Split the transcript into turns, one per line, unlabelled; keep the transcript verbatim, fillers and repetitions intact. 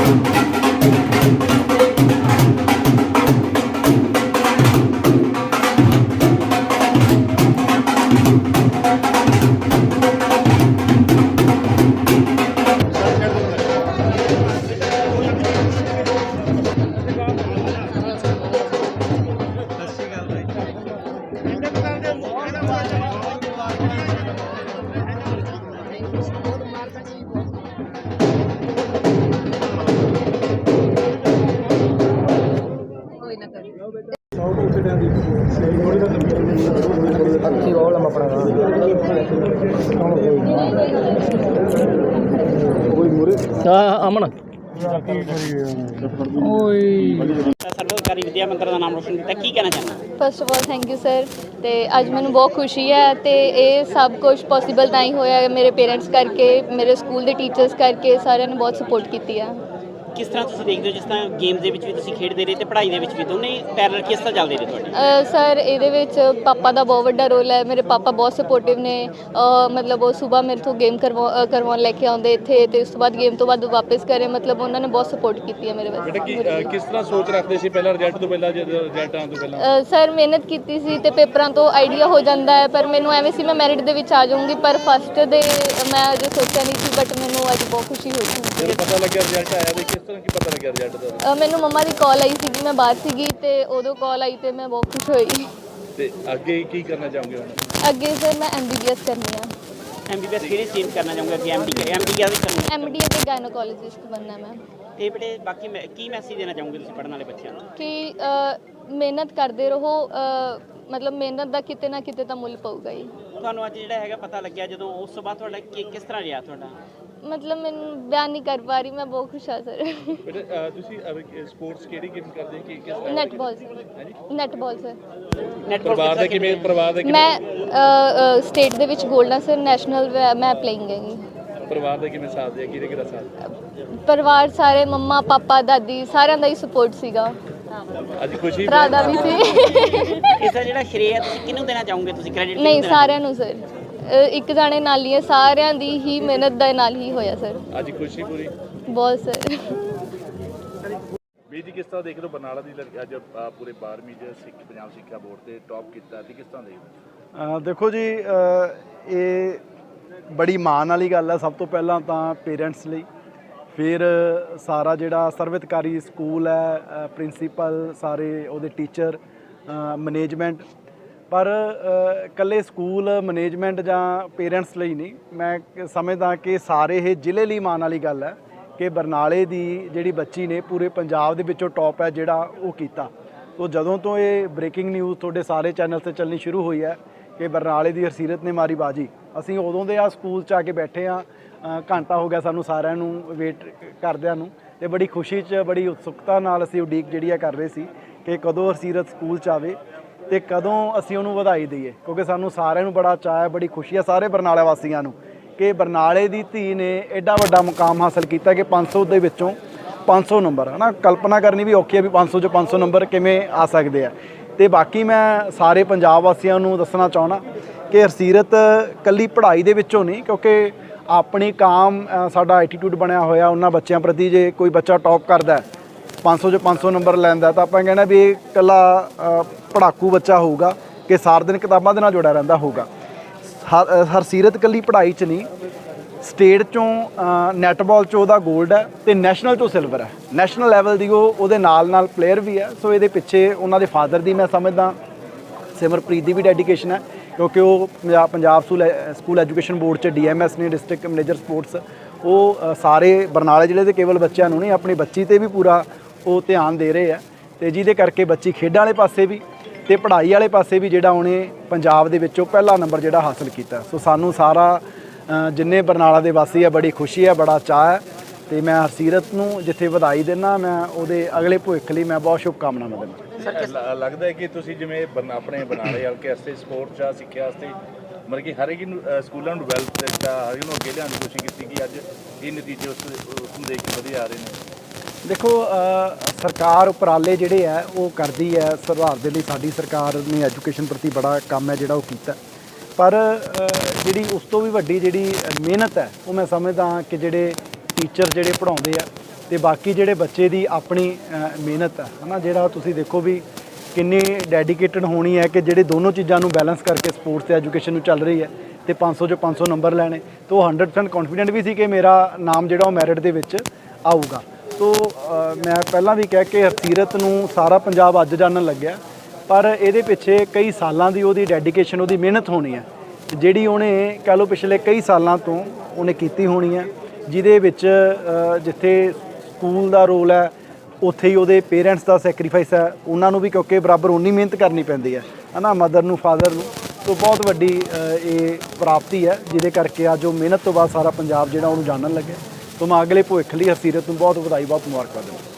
अमन
ਸਰਵਕਾਰੀ ਵਿਦਿਆ ਮੰਤਰ ਦਾ ਨਾਮ ਰੋਸ਼ਨ ਕੀਤਾ, ਕੀ ਕਹਿਣਾ ਚਾਹੁੰਦਾ?
First of all thank you sir. ਤੇ ਅੱਜ ਮੈਨੂੰ ਬਹੁਤ ਖੁਸ਼ੀ ਹੈ ਤੇ ਇਹ ਸਭ ਕੁਝ ਪੋਸੀਬਲ ਤਾਂ ਹੀ ਹੋਇਆ ਮੇਰੇ ਪੇਰੈਂਟਸ ਕਰਕੇ, ਮੇਰੇ ਸਕੂਲ ਦੇ ਟੀਚਰਸ ਕਰਕੇ, ਸਾਰਿਆਂ ਨੇ ਬਹੁਤ ਸਪੋਰਟ ਕੀਤੀ ਆ।
ਕਿਸ ਤਰ੍ਹਾਂ ਤੁਸੀਂ ਦੇਖਦੇ ਹੋ, ਜਿਸ ਤਰ੍ਹਾਂ ਗੇਮਸ ਦੇ ਵਿੱਚ ਵੀ ਤੁਸੀਂ ਖੇਡਦੇ ਰਹੇ ਤੇ ਪੜ੍ਹਾਈ ਦੇ ਵਿੱਚ ਵੀ, ਦੋਨੇ ਪੈਰਲਲ ਕਿਸ ਤਰ੍ਹਾਂ ਚੱਲਦੇ ਰਹੇ ਤੁਹਾਡੇ?
ਸਰ ਇਹਦੇ ਵਿੱਚ ਪਾਪਾ ਦਾ ਬਹੁਤ ਵੱਡਾ ਰੋਲ ਹੈ। ਮੇਰੇ ਪਾਪਾ ਬਹੁਤ ਸਪੋਰਟਿਵ ਨੇ। ਮਤਲਬ ਉਹ ਸਵੇਰ ਮੇਰੇ ਤੋਂ ਗੇਮ ਕਰਵਾ ਕਰਵਾਉਣ ਲੈ ਕੇ ਆਉਂਦੇ ਇੱਥੇ, ਤੇ ਉਸ ਤੋਂ ਬਾਅਦ ਗੇਮ ਤੋਂ ਬਾਅਦ ਵਾਪਸ ਕਰੇ। ਮਤਲਬ ਉਹਨਾਂ ਨੇ ਬਹੁਤ ਸਪੋਰਟ ਕੀਤੀ ਹੈ ਮੇਰੇ ਵਿੱਚ।
ਬੇਟਾ ਕੀ ਕਿਸ ਤਰ੍ਹਾਂ ਸੋਚ ਰੱਖਦੇ ਸੀ ਪਹਿਲਾਂ ਰਿਜ਼ਲਟ ਤੋਂ ਪਹਿਲਾਂ, ਜਦੋਂ ਰਿਜ਼ਲਟ ਆਉਣ ਤੋਂ ਪਹਿਲਾਂ?
ਸਰ ਮਿਹਨਤ ਕੀਤੀ ਸੀ ਤੇ ਪੇਪਰਾਂ ਤੋਂ ਆਈਡੀਆ ਹੋ ਜਾਂਦਾ ਹੈ, ਪਰ ਮੈਨੂੰ ਐਵੇਂ ਸੀ ਮੈਂ ਮੈਰਿਟ ਦੇ ਵਿੱਚ ਆ ਜਾਊਂਗੀ, ਪਰ ਫਸਟ ਦੇ ਮੈਂ ਅਜੇ ਸੋਚਿਆ ਨਹੀਂ ਸੀ, ਬਟ ਮੈਨੂੰ ਅੱਜ ਬਹੁਤ ਖੁਸ਼ੀ ਹੋਈ ਸੀ।
ਜਦੋਂ ਪਤਾ ਲੱਗਿਆ ਰਿਜ਼ਲਟ ਆਇਆ ਤੇ ਕਿਸ ਤਰ੍ਹਾਂ ਕੀ ਪਤਾ ਲੱਗਿਆ ਰਿਜ਼ਲਟ ਦਾ?
ਮੈਨੂੰ ਮੰਮਾ ਦੀ ਕਾਲ ਆਈ ਸੀਗੀ, ਮੈਂ ਬਾਹਰ ਸੀਗੀ ਤੇ ਉਦੋਂ ਕਾਲ ਆਈ ਤੇ ਮੈਂ ਬਹੁਤ ਖੁਸ਼ ਹੋਈ।
ਤੇ ਅੱਗੇ ਕੀ ਕਰਨਾ ਚਾਹੋਗੇ ਹੁਣ?
ਅੱਗੇ ਸਰ ਮੈਂ ਐਮ ਬੀ ਬੀ ਐਸ ਕਰਨੀ ਆ।
ਐਮ ਬੀ ਬੀ ਐਸ ਕਿਹੜੀ ਸਟਰੀਮ ਕਰਨਾ ਚਾਹੂੰਗਾ ਕਿ ਐਮ ਡੀ ਐਮ ਡੀ ਕਿਹੜੀ ਕਰਨੀ?
ਐਮ ਡੀ ਅਤੇ ਗਾਇਨੋਕੋਲੋਜਿਸਟ ਬਣਨਾ ਮੈਂ।
ਤੇ ਬੇਟੇ ਬਾਕੀ ਮੈਂ ਕੀ ਮੈਸੇਜ ਦੇਣਾ ਚਾਹੂੰਗੇ ਤੁਸੀਂ ਪੜ੍ਹਨ ਵਾਲੇ ਬੱਚਿਆਂ ਨੂੰ?
ਕਿ ਮਿਹਨਤ ਕਰਦੇ ਰਹੋ, ਮਤਲਬ ਮਿਹਨਤ ਦਾ ਕਿਤੇ ਨਾ ਕਿਤੇ ਤਾਂ ਮੁੱਲ ਪਊਗਾ ਹੀ।
ਤੁਹਾਨੂੰ ਅੱਜ ਜਿਹੜਾ ਹੈਗਾ ਪਤਾ ਲੱਗਿਆ ਜਦੋਂ, ਉਸ ਤੋਂ ਬਾਅਦ ਤੁਹਾਡਾ ਕੀ ਕਿਸ ਤਰ੍ਹਾਂ ਰਿਹਾ ਤੁਹਾਡਾ?
ਮਤਲਬ ਮੈਨੂੰ ਬਿਆਨ ਨਹੀਂ ਕਰ ਪਾ ਰਹੀ, ਮੈਂ ਬਹੁਤ ਖੁਸ਼ ਹਾਂ ਸਰ।
ਬੇਟਾ ਤੁਸੀਂ ਸਪੋਰਟਸ ਕਿਹੜੀ ਗੇਮ ਕਰਦੇ ਕਿ ਕਿਸ ਤਰ੍ਹਾਂ?
Netball sir. Netball sir.
ਪਰਿਵਾਰ ਦਾ ਕਿਵੇਂ? ਪਰਿਵਾਰ ਦਾ
ਮੈਂ ਸਟੇਟ ਦੇ ਵਿੱਚ ਗੋਲਡ ਆ ਸਰ, ਨੈਸ਼ਨਲ ਮੈਂ ਪਲੇਇੰਗ ਹੈਗੀ।
ਪਰਿਵਾਰ ਦਾ ਕਿਵੇਂ ਸਾਥ ਦਿਆ? ਕਿਹਦੇ ਕਿਹਦਾ ਸਾਥ?
ਪਰਿਵਾਰ ਸਾਰੇ ਮੰਮਾ ਪਾਪਾ ਦਾਦੀ ਸਾਰਿਆਂ ਦਾ ਹੀ ਸਪੋਰਟ ਸੀਗਾ।
ਅੱਜ ਖੁਸ਼ੀ
ਭਰਾ ਦਾ ਵੀ ਸੀ।
ਇਸ ਦਾ ਜਿਹੜਾ ਸ਼੍ਰੇਅ ਤੁਸੀਂ ਕਿਹਨੂੰ ਦੇਣਾ ਚਾਹੋਗੇ? ਤੁਸੀਂ ਕ੍ਰੈਡਿਟ
ਨਹੀਂ, ਸਾਰਿਆਂ ਨੂੰ ਸਰ। ਇੱਕ ਜਾਣੇ ਨਾਲ ਹੀ ਹੈ, ਸਾਰਿਆਂ ਦੀ ਹੀ ਮਿਹਨਤ ਦੇ ਨਾਲ ਹੀ ਹੋਇਆ ਸਰ।
ਅੱਜ ਖੁਸ਼ੀ ਪੂਰੀ
ਬਹੁਤ ਸਰ।
ਵੀ ਜੀ ਕਿਸ ਤਰ੍ਹਾਂ ਦੇਖ ਰਹੇ ਹੋ ਬਰਨਾਲਾ ਦੀ ਲੜਕੀ ਅੱਜ ਪੂਰੇ ਬਾਰਵੀਂ ਚ ਸਿੱਖ ਪੰਜਾਬ ਸਿੱਖਿਆ ਬੋਰਡ ਤੇ ਟੌਪ ਕੀਤਾ, ਤੇ ਕਿਸ ਤਰ੍ਹਾਂ ਦੇਖਦੇ ਹੋ?
ਦੇਖੋ ਜੀ, ਇਹ ਬੜੀ ਮਾਣ ਵਾਲੀ ਗੱਲ ਹੈ। ਸਭ ਤੋਂ ਪਹਿਲਾਂ ਤਾਂ ਪੇਰੈਂਟਸ ਲਈ, ਫਿਰ ਸਾਰਾ ਜਿਹੜਾ ਸਰਵਿਤਕਾਰੀ ਸਕੂਲ ਹੈ, ਪ੍ਰਿੰਸੀਪਲ, ਸਾਰੇ ਉਹਦੇ ਟੀਚਰ, ਮੈਨੇਜਮੈਂਟ। ਪਰ ਇਕੱਲੇ ਸਕੂਲ ਮੈਨੇਜਮੈਂਟ ਜਾਂ ਪੇਰੈਂਟਸ ਲਈ ਨਹੀਂ, ਮੈਂ ਸਮਝਦਾ ਕਿ ਸਾਰੇ ਇਹ ਜ਼ਿਲ੍ਹੇ ਲਈ ਮਾਣ ਵਾਲੀ ਗੱਲ ਹੈ ਕਿ ਬਰਨਾਲੇ ਦੀ ਜਿਹੜੀ ਬੱਚੀ ਨੇ ਪੂਰੇ ਪੰਜਾਬ ਦੇ ਵਿੱਚੋਂ ਟੌਪ ਹੈ ਜਿਹੜਾ ਉਹ ਕੀਤਾ। ਤੋ ਜਦੋਂ ਤੋਂ ਇਹ ਬ੍ਰੇਕਿੰਗ ਨਿਊਜ਼ ਤੁਹਾਡੇ ਸਾਰੇ ਚੈਨਲ 'ਤੇ ਚੱਲਣੀ ਸ਼ੁਰੂ ਹੋਈ ਹੈ ਕਿ ਬਰਨਾਲੇ ਦੀ ਹਰਸੀਰਤ ਨੇ ਮਾਰੀ ਬਾਜੀ, ਅਸੀਂ ਉਦੋਂ ਦੇ ਆ ਸਕੂਲ 'ਚ ਆ ਕੇ ਬੈਠੇ ਹਾਂ। ਘੰਟਾ ਹੋ ਗਿਆ ਸਾਨੂੰ ਸਾਰਿਆਂ ਨੂੰ ਵੇਟ ਕਰਦਿਆਂ ਨੂੰ, ਅਤੇ ਬੜੀ ਖੁਸ਼ੀ 'ਚ ਬੜੀ ਉਤਸੁਕਤਾ ਨਾਲ ਅਸੀਂ ਉਡੀਕ ਜਿਹੜੀ ਆ ਕਰ ਰਹੇ ਸੀ ਕਿ ਕਦੋਂ ਹਰਸੀਰਤ ਸਕੂਲ 'ਚ ਆਵੇ ਅਤੇ ਕਦੋਂ ਅਸੀਂ ਉਹਨੂੰ ਵਧਾਈ ਦਈਏ, ਕਿਉਂਕਿ ਸਾਨੂੰ ਸਾਰਿਆਂ ਨੂੰ ਬੜਾ ਚਾਅ ਹੈ, ਬੜੀ ਖੁਸ਼ੀ ਹੈ ਸਾਰੇ ਬਰਨਾਲੇ ਵਾਸੀਆਂ ਨੂੰ ਕਿ ਬਰਨਾਲੇ ਦੀ ਧੀ ਨੇ ਐਡਾ ਵੱਡਾ ਮੁਕਾਮ ਹਾਸਲ ਕੀਤਾ ਕਿ ਪੰਜ ਸੌ ਦੇ ਵਿੱਚੋਂ ਪੰਜ ਸੌ ਨੰਬਰ ਹੈ ਨਾ, ਕਲਪਨਾ ਕਰਨੀ ਵੀ ਔਖੀ ਹੈ ਵੀ ਪੰਜ ਸੌ 'ਚੋਂ ਪੰਜ ਸੌ ਨੰਬਰ ਕਿਵੇਂ ਆ ਸਕਦੇ ਆ। ਅਤੇ ਬਾਕੀ ਮੈਂ ਸਾਰੇ ਪੰਜਾਬ ਵਾਸੀਆਂ ਨੂੰ ਦੱਸਣਾ ਚਾਹੁੰਦਾ ਕਿ ਹਰਸੀਰਤ ਇਕੱਲੀ ਪੜ੍ਹਾਈ ਦੇ ਵਿੱਚੋਂ ਨਹੀਂ, ਕਿਉਂਕਿ ਆਪਣੀ ਕਾਮ ਸਾਡਾ ਐਟੀਟਿਊਡ ਬਣਿਆ ਹੋਇਆ ਉਹਨਾਂ ਬੱਚਿਆਂ ਪ੍ਰਤੀ। ਜੇ ਕੋਈ ਬੱਚਾ ਟੌਪ ਕਰਦਾ ਪੰਜ ਸੌ 'ਚੋਂ ਪੰਜ ਸੌ ਨੰਬਰ ਲੈਂਦਾ ਤਾਂ ਆਪਾਂ ਕਹਿਣਾ ਵੀ ਇਹ ਇਕੱਲਾ ਪੜ੍ਹਾਕੂ ਬੱਚਾ ਹੋਊਗਾ ਕਿ ਸਾਰਾ ਦਿਨ ਕਿਤਾਬਾਂ ਦੇ ਨਾਲ ਜੁੜਿਆ ਰਹਿੰਦਾ ਹੋਊਗਾ। ਹਰ ਹਰਸੀਰਤ ਇਕੱਲੀ ਪੜ੍ਹਾਈ 'ਚ ਨਹੀਂ, ਸਟੇਟ 'ਚੋਂ ਨੈਟਬਾਲ 'ਚੋਂ ਉਹਦਾ ਗੋਲਡ ਹੈ ਅਤੇ ਨੈਸ਼ਨਲ 'ਚੋਂ ਸਿਲਵਰ ਹੈ। ਨੈਸ਼ਨਲ ਲੈਵਲ ਦੀ ਉਹ ਉਹਦੇ ਨਾਲ ਨਾਲ ਪਲੇਅਰ ਵੀ ਹੈ। ਸੋ ਇਹਦੇ ਪਿੱਛੇ ਉਹਨਾਂ ਦੇ ਫਾਦਰ ਦੀ ਮੈਂ ਸਮਝਦਾ ਸਿਮਰਪ੍ਰੀਤ ਦੀ ਵੀ ਡੈਡੀਕੇਸ਼ਨ ਹੈ, ਕਿਉਂਕਿ ਉਹ Punjab Punjab school education board 'ਚ ਡੀ ਐਮ ਐਸ ਨੇ, ਡਿਸਟ੍ਰਿਕਟ ਮੈਨੇਜਰ ਸਪੋਰਟਸ। ਉਹ ਸਾਰੇ ਬਰਨਾਲੇ ਜ਼ਿਲ੍ਹੇ ਦੇ ਕੇਵਲ ਬੱਚਿਆਂ ਨੂੰ ਨਹੀਂ, ਆਪਣੀ ਬੱਚੀ 'ਤੇ ਵੀ ਪੂਰਾ ਉਹ ਧਿਆਨ ਦੇ ਰਹੇ ਆ, ਅਤੇ ਜਿਹਦੇ ਕਰਕੇ ਬੱਚੀ ਖੇਡਾਂ ਵਾਲੇ ਪਾਸੇ ਵੀ ਅਤੇ ਪੜ੍ਹਾਈ ਵਾਲੇ ਪਾਸੇ ਵੀ ਜਿਹੜਾ ਉਹਨੇ ਪੰਜਾਬ ਦੇ ਵਿੱਚੋਂ ਪਹਿਲਾ ਨੰਬਰ ਜਿਹੜਾ ਹਾਸਲ ਕੀਤਾ। ਸੋ ਸਾਨੂੰ ਸਾਰਾ ਜਿੰਨੇ ਬਰਨਾਲਾ ਦੇ ਵਾਸੀ ਆ ਬੜੀ ਖੁਸ਼ੀ ਹੈ, ਬੜਾ ਚਾਅ ਹੈ, ਅਤੇ ਮੈਂ ਹਰਸੀਰਤ ਨੂੰ ਜਿੱਥੇ ਵਧਾਈ ਦਿੰਦਾ, ਮੈਂ ਉਹਦੇ ਅਗਲੇ ਭਵਿੱਖ ਲਈ ਮੈਂ ਬਹੁਤ ਸ਼ੁਭਕਾਮਨਾਵਾਂ ਦਿੰਦਾ।
ਲੱਗਦਾ ਹੈ ਕਿ ਤੁਸੀਂ ਜਿਵੇਂ ਆਪਣੇ ਬਰਨਾਲੇ ਹਲਕੇ ਵਾਸਤੇ ਸਪੋਰਟਸ ਜਾਂ ਸਿੱਖਿਆ ਵਾਸਤੇ ਮਤਲਬ ਕਿ ਹਰ ਇੱਕ ਸਕੂਲਾਂ ਨੂੰ ਡਿਵੈਲਪ ਕੀਤਾ, ਹਰ ਇੱਕ ਨੂੰ ਅੱਗੇ ਲਿਆਉਣ ਦੀ ਕੋਸ਼ਿਸ਼ ਕੀਤੀ ਕਿ ਅੱਜ ਇਹ ਨਤੀਜੇ ਉਸ ਉਸ ਨੂੰ ਦੇਖ ਕੇ ਵਧੀਆ ਆ ਰਹੇ ਨੇ।
ਦੇਖੋ, ਸਰਕਾਰ ਉਪਰਾਲੇ ਜਿਹੜੇ ਹੈ ਉਹ ਕਰਦੀ ਹੈ ਸੁਧਾਰ ਦੇ ਲਈ। ਸਾਡੀ ਸਰਕਾਰ ਨੇ ਐਜੂਕੇਸ਼ਨ ਪ੍ਰਤੀ ਬੜਾ ਕੰਮ ਹੈ ਜਿਹੜਾ ਉਹ ਕੀਤਾ, ਪਰ ਜਿਹੜੀ ਉਸ ਤੋਂ ਵੀ ਵੱਡੀ ਜਿਹੜੀ ਮਿਹਨਤ ਹੈ ਉਹ ਮੈਂ ਸਮਝਦਾ ਕਿ ਜਿਹੜੇ ਟੀਚਰ ਜਿਹੜੇ ਪੜ੍ਹਾਉਂਦੇ ਆ ਤੇ ਬਾਕੀ ਜਿਹੜੇ ਬੱਚੇ ਦੀ ਆਪਣੀ ਅ, ਮਿਹਨਤ ਹੈ ਹਨਾ, ਜਿਹੜਾ ਤੁਸੀਂ ਦੇਖੋ ਵੀ ਕਿੰਨੀ ਡੈਡੀਕੇਟਡ ਹੋਣੀ ਹੈ ਕਿ ਜਿਹੜੇ ਦੋਨੋਂ ਚੀਜ਼ਾਂ ਨੂੰ ਬੈਲੈਂਸ ਕਰਕੇ ਸਪੋਰਟਸ ਤੇ ਐਜੂਕੇਸ਼ਨ ਨੂੰ ਚੱਲ ਰਹੀ ਹੈ ਤੇ ਪੰਜ ਸੌ ਚੋਂ ਪੰਜ ਸੌ ਨੰਬਰ ਲੈਣੇ, ਤਾਂ ਉਹ ਹੰਡਰਡ ਪਰਸੈਂਟ ਕੌਨਫੀਡੈਂਟ ਵੀ ਸੀ ਕਿ ਮੇਰਾ ਨਾਮ ਜਿਹੜਾ ਉਹ ਮੈਰਿਟ ਦੇ ਵਿੱਚ ਆਊਗਾ। ਤੋ ਅ, ਮੈਂ ਪਹਿਲਾਂ ਵੀ ਕਹਿ ਕੇ ਹਰਸੀਰਤ ਨੂੰ ਸਾਰਾ ਪੰਜਾਬ ਅੱਜ ਜਾਣਨ ਲੱਗਿਆ, ਪਰ ਇਹਦੇ ਪਿੱਛੇ ਕਈ ਸਾਲਾਂ ਦੀ ਉਹਦੀ ਡੈਡੀਕੇਸ਼ਨ, ਉਹਦੀ ਮਿਹਨਤ ਹੋਣੀ ਹੈ, ਜਿਹੜੀ ਉਹਨੇ ਕਹਿ ਲਓ ਪਿਛਲੇ ਕਈ ਸਾਲਾਂ ਤੋਂ ਉਹਨੇ ਕੀਤੀ ਹੋਣੀ ਹੈ, ਜਿਹਦੇ ਵਿੱਚ ਅ, ਜਿੱਥੇ ਸਕੂਲ ਦਾ ਰੋਲ ਹੈ ਉੱਥੇ ਹੀ ਉਹਦੇ ਪੇਰੈਂਟਸ ਦਾ ਸੈਕਰੀਫਾਈਸ ਹੈ, ਉਹਨਾਂ ਨੂੰ ਵੀ ਕਿਉਂਕਿ ਬਰਾਬਰ ਉਨੀ ਮਿਹਨਤ ਕਰਨੀ ਪੈਂਦੀ ਹੈ ਹੈ ਨਾ, ਮਦਰ ਨੂੰ ਫਾਦਰ ਨੂੰ। ਤੋਂ ਬਹੁਤ ਵੱਡੀ ਅ, ਇਹ ਪ੍ਰਾਪਤੀ ਹੈ ਜਿਹਦੇ ਕਰਕੇ ਅੱਜ ਉਹ ਮਿਹਨਤ ਤੋਂ ਬਾਅਦ ਸਾਰਾ ਪੰਜਾਬ ਜਿਹੜਾ ਉਹਨੂੰ ਜਾਣਨ ਲੱਗਿਆ। ਤੋਂ ਮੈਂ ਅਗਲੇ ਭਵਿੱਖ ਲਈ ਹਰਸੀਰਤ ਨੂੰ ਬਹੁਤ ਵਧਾਈ, ਬਹੁਤ ਮੁਬਾਰਕਬਾਦ ਦਿੰਦਾ।